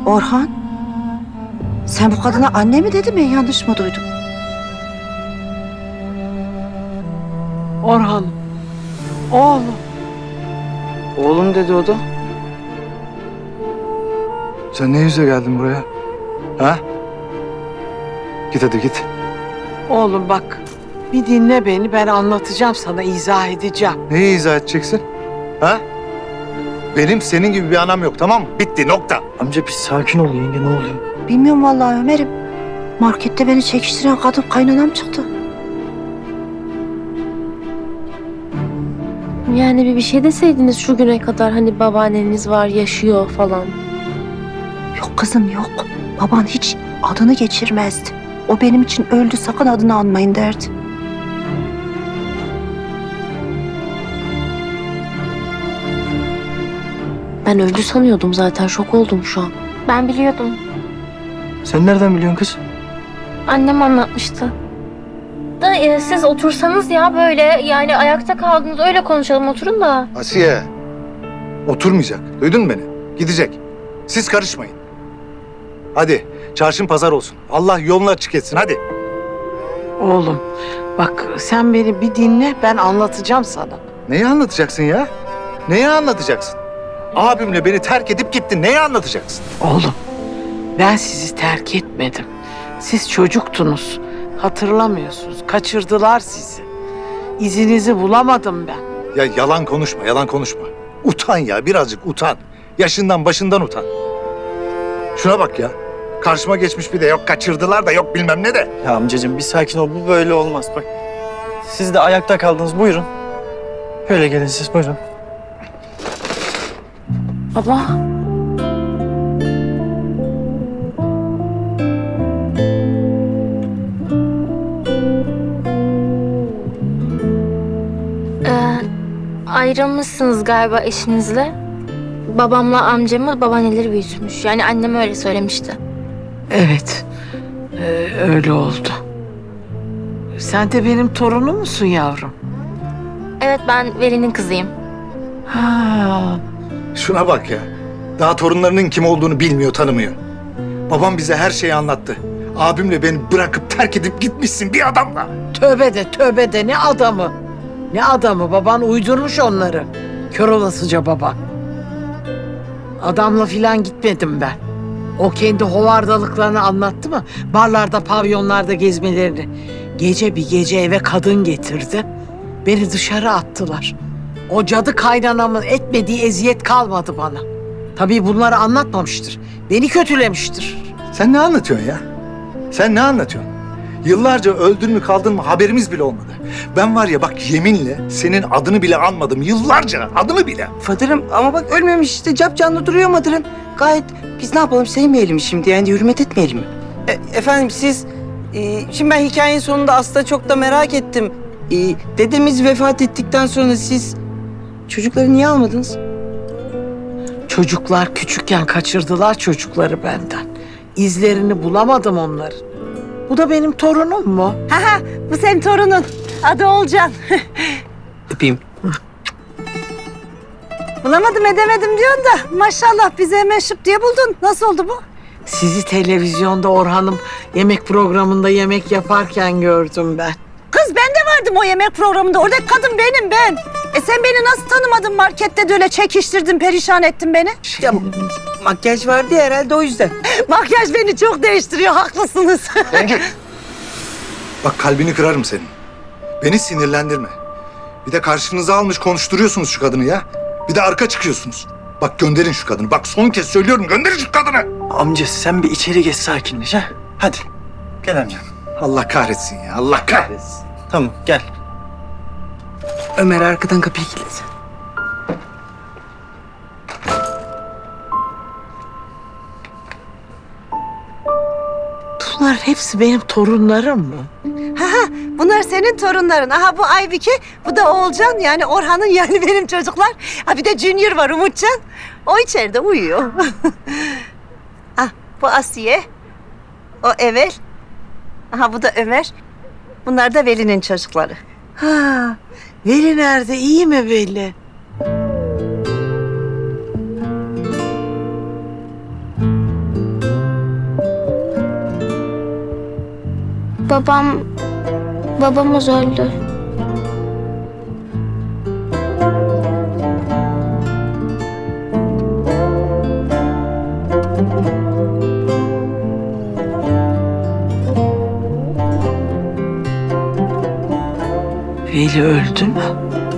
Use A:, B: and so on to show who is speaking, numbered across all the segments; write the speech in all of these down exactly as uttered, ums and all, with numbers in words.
A: Orhan, sen bu kadına anne mi dedin, ben yanlış mı duydum?
B: Orhan, oğlum.
C: Oğlum dedi o da.
D: Sen ne yüzle geldin buraya? Ha? Git hadi git.
B: Oğlum bak, bir dinle beni, ben anlatacağım sana, izah edeceğim.
D: Neyi izah edeceksin? Ha? Benim senin gibi bir anam yok, tamam mı? Bitti, nokta.
C: Amca bir sakin ol yenge, ne oluyor?
A: Bilmiyorum vallahi Ömer'im. Markette beni çekiştiren kadın kaynanam çıktı.
E: Yani bir bir şey deseydiniz şu güne kadar, hani babaanneniz var, yaşıyor falan.
A: Yok kızım yok. Baban hiç adını geçirmezdi. O benim için öldü, sakın adını anmayın derdi.
E: Ben öldü sanıyordum zaten, şok oldum şu an. Ben biliyordum.
C: Sen nereden biliyorsun kız?
E: Annem anlatmıştı. Da e, siz otursanız ya böyle, yani ayakta kaldınız, öyle konuşalım, oturun da.
D: Asiye, oturmayacak. Duydun mu beni? Gidecek. Siz karışmayın. Hadi, çarşın pazar olsun. Allah yolunu açık etsin, hadi.
B: Oğlum, bak sen beni bir dinle, ben anlatacağım sana.
D: Neyi anlatacaksın ya? Neyi anlatacaksın? Abimle beni terk edip gittin. Neyi anlatacaksın?
B: Oğlum, ben sizi terk etmedim. Siz çocuktunuz, hatırlamıyorsunuz, kaçırdılar sizi. İzinizi bulamadım ben.
D: Ya yalan konuşma, yalan konuşma. Utan ya, birazcık utan. Yaşından başından utan. Şuna bak ya. Karşıma geçmiş bir de yok kaçırdılar da yok bilmem ne de.
C: Ya amcacığım bir sakin ol, bu böyle olmaz bak. Siz de ayakta kaldınız, buyurun. Böyle gelin siz, buyurun.
E: Baba. Ee, ayrılmışsınız galiba eşinizle. Babamla amcamı babaanneleri büyütmüş. Yani annem öyle söylemişti.
B: Evet, ee, öyle oldu. Sen de benim torunum musun yavrum?
E: Evet, ben Veli'nin kızıyım.
B: Ha,
D: Şuna bak ya. Daha torunlarının kim olduğunu bilmiyor, tanımıyor. Babam bize her şeyi anlattı. Abimle beni bırakıp terk edip gitmişsin bir adamla.
B: tövbe de tövbe de, ne adamı? Ne adamı? Baban uydurmuş onları. Kör olasıca baba. Adamla filan gitmedim ben. O kendi hovardalıklarını anlattı mı? Barlarda, pavyonlarda gezmelerini. Gece bir gece eve kadın getirdi. Beni dışarı attılar. O cadı kaynanamın etmediği eziyet kalmadı bana. Tabii bunları anlatmamıştır. Beni kötülemiştir.
D: Sen ne anlatıyorsun ya? Sen ne anlatıyorsun? Yıllarca öldün mü kaldın mı haberimiz bile olmadı. Ben var ya bak yeminle senin adını bile anmadım. Yıllarca adını bile.
F: Fadırım ama bak ölmemiş işte, capcanlı duruyor Madır'ın. Gayet, biz ne yapalım, sevmeyelim mi şimdi, yani hürmet etmeyelim mi? E, efendim siz, e, şimdi ben hikayenin sonunda aslında çok da merak ettim. E, dedemiz vefat ettikten sonra siz çocukları niye almadınız?
B: Çocuklar küçükken kaçırdılar çocukları benden. İzlerini bulamadım onların. Bu da benim torunum mu?
A: Ha ha, bu senin torunun. Adı Olcan.
C: Öpeyim.
A: Bulamadım edemedim diyorsun da maşallah bize hemen şıp diye buldun. Nasıl oldu bu?
B: Sizi televizyonda Orhan'ım yemek programında yemek yaparken gördüm ben.
A: Kız ben de vardım o yemek programında. Oradaki kadın benim ben. E sen beni nasıl tanımadın, markette de öyle çekiştirdin, perişan ettin beni.
F: Ya, makyaj vardı ya herhalde, o yüzden.
A: Makyaj beni çok değiştiriyor, haklısınız.
D: Bak kalbini kırarım senin. Beni sinirlendirme. Bir de karşınıza almış konuşturuyorsunuz şu kadını ya. Bir de arka çıkıyorsunuz. Bak gönderin şu kadını. Bak son kez söylüyorum, gönderin şu kadını.
C: Amca sen bir içeri geç, sakinleş ha. Hadi. Gel amca.
D: Allah kahretsin ya, Allah kahretsin.
C: Tamam gel.
F: Ömer arkadan kapıyı kilitlesin.
B: Bunlar hepsi benim torunlarım mı?
A: Bunlar senin torunların. Aha bu Aybike, bu da Oğulcan, yani Orhan'ın, yani benim çocuklar. Ha bir de Junior var, Umutcan. O içeride uyuyor. Ah bu Asiye, o Evel. Aha bu da Ömer. Bunlar da Veli'nin çocukları.
B: Ha, Veli nerede? İyi mi Veli?
E: Babam... Babamız öldü.
B: Veli öldü mü?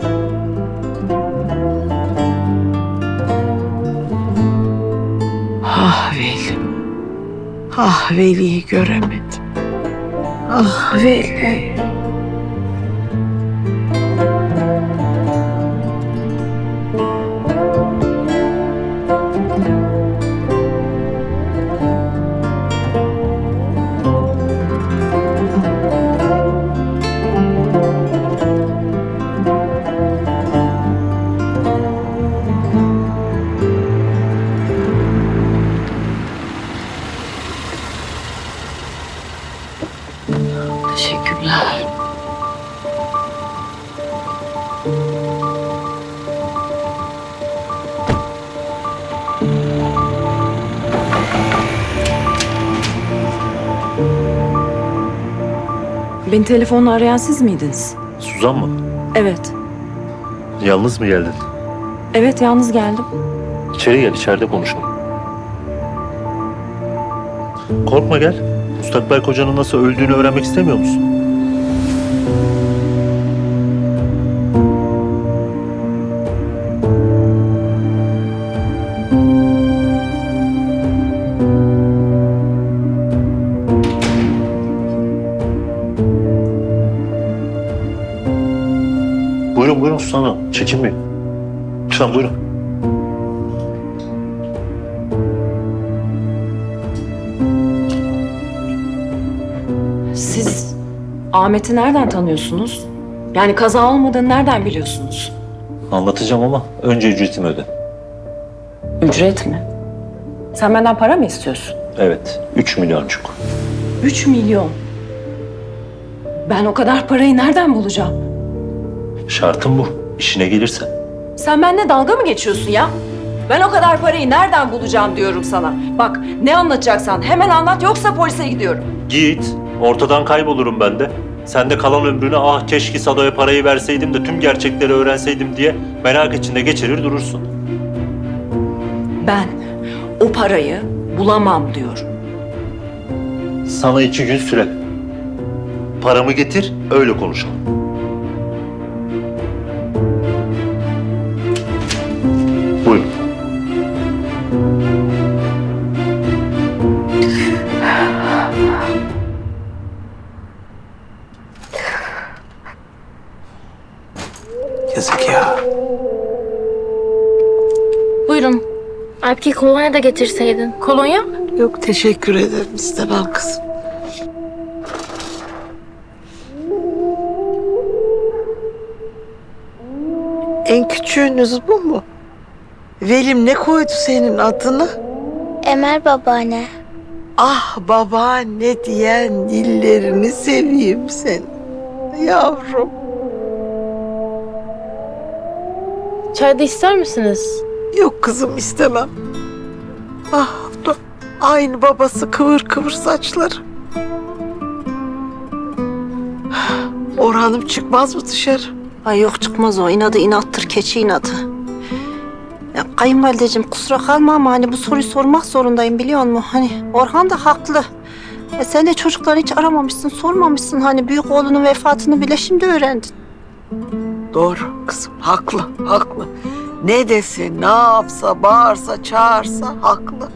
B: Ah Veli. Ah Veli'yi göremedim. Ah Veli. Teşekkürler.
G: Beni telefonla arayan siz miydiniz?
H: Suzan mı?
G: Evet.
H: Yalnız mı geldin?
G: Evet, yalnız geldim.
H: İçeri gel, içeride konuşalım. Korkma gel. Müstakbel kocanın nasıl öldüğünü öğrenmek istemiyor musun? Buyurun buyurun Suzan Hanım. Çekinmeyin. Lütfen buyurun.
G: Siz Ahmet'i nereden tanıyorsunuz? Yani kaza olmadığını nereden biliyorsunuz?
H: Anlatacağım ama önce ücretimi öde.
G: Ücret mi? Sen benden para mı istiyorsun?
H: Evet, üç milyoncuk.
G: Üç milyon. Ben o kadar parayı nereden bulacağım?
H: Şartım bu. İşine gelirse.
G: Sen benimle dalga mı geçiyorsun ya? Ben o kadar parayı nereden bulacağım diyorum sana. Bak, ne anlatacaksan hemen anlat, yoksa polise gidiyorum.
H: Git. Ortadan kaybolurum ben de. Sen de kalan ömrünü ah keşke Sado'ya parayı verseydim de tüm gerçekleri öğrenseydim diye merak içinde geçirir durursun.
G: Ben o parayı bulamam diyorum.
H: Sana iki gün süre. Paramı getir, öyle konuşalım. Buyurun.
B: Yazık ya.
E: Buyurun. Alpki kolonya da getirseydin. Kolonya?
B: Yok teşekkür ederim. İstemem kızım. En küçüğünüz bu mu? Velim ne koydu senin adını?
E: Emel babaanne.
B: Ah babaanne diyen dillerini seveyim seni. Yavrum.
E: Çay da ister misiniz?
B: Yok kızım istemem. Ah dur. Aynı babası kıvır kıvır saçları. Orhan'ım çıkmaz mı dışarı?
A: Ay yok çıkmaz o. İnadı inattır, keçi inadı. Ya kayınvalideciğim kusura kalma ama hani bu soruyu sormak zorundayım biliyor musun? Hani Orhan da haklı. E sen de çocukları hiç aramamışsın, sormamışsın. Hani büyük oğlunun vefatını bile şimdi öğrendin.
B: Doğru kızım haklı haklı. Ne desin ne yapsa bağırsa çağırsa haklı.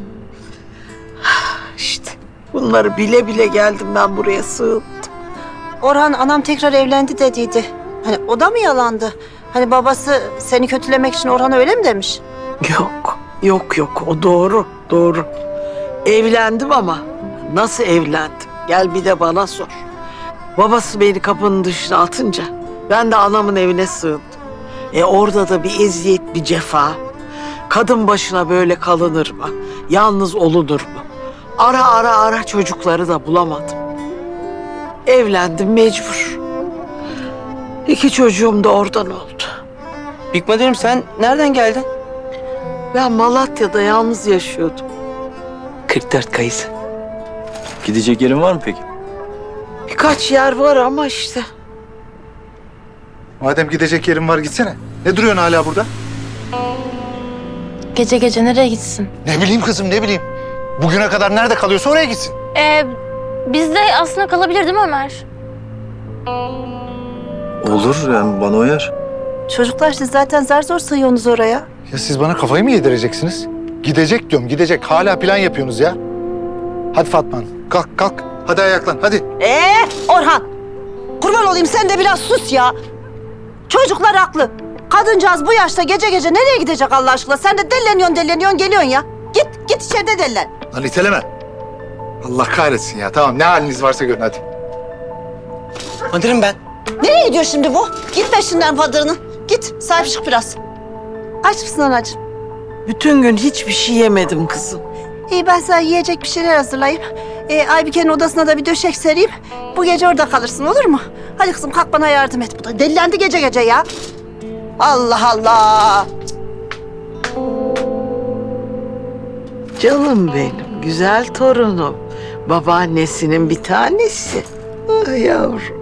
B: İşte bunları bile bile geldim ben buraya sığındım.
A: Orhan anam tekrar evlendi dediydi. Hani o da mı yalandı? Hani babası seni kötülemek için Orhan'a öyle mi demiş?
B: Yok yok yok o doğru doğru. Evlendim ama nasıl evlendim? Gel bir de bana sor. Babası beni kapının dışına atınca ben de anamın evine sığındım. E orada da bir eziyet, bir cefa. Kadın başına böyle kalınır mı? Yalnız olunur mu? Ara ara ara çocukları da bulamadım. Evlendim mecbur. İki çocuğum da oradan oldu.
F: Bikmadırım sen nereden geldin?
B: Ben Malatya'da yalnız yaşıyordum.
F: kırk dört kayısı.
C: Gidecek yerin var mı peki?
B: Birkaç yer var ama işte.
D: Madem gidecek yerin var gitsene. Ne duruyorsun hala burada?
E: Gece gece nereye gitsin?
D: Ne bileyim kızım ne bileyim. Bugüne kadar nerede kalıyorsa oraya gitsin.
E: Ee, bizde aslında kalabilir değil mi Ömer?
C: Olur yani bana uyar.
A: Çocuklar siz zaten zar zor sığıyorsunuz oraya.
D: Ya siz bana kafayı mı yedireceksiniz? Gidecek diyorum gidecek. Hala plan yapıyorsunuz ya. Hadi Fatma Hanım, kalk kalk. Hadi ayaklan hadi.
A: Ee Orhan, kurban olayım sen de biraz sus ya. Çocuklar haklı. Kadıncağız bu yaşta gece gece nereye gidecek Allah aşkına? Sen de delleniyorsun delleniyorsun geliyorsun ya. Git git içeride dellen.
D: Lan iteleme. Allah kahretsin ya. Tamam ne haliniz varsa görün hadi.
F: Madırım ben.
A: Nereye gidiyor şimdi bu? Git peşinden fadırının. Git sahip çık biraz. Aç mısın anacığım?
B: Bütün gün hiçbir şey yemedim kızım.
A: İyi ben sana yiyecek bir şeyler hazırlayayım. Ee, Aybike'nin odasına da bir döşek sereyim. Bu gece orada kalırsın olur mu? Hadi kızım kalk bana yardım et. Bu da delilendi gece gece ya. Allah Allah.
B: Canım benim, güzel torunum. Babaannesinin bir tanesi. Ah yavrum.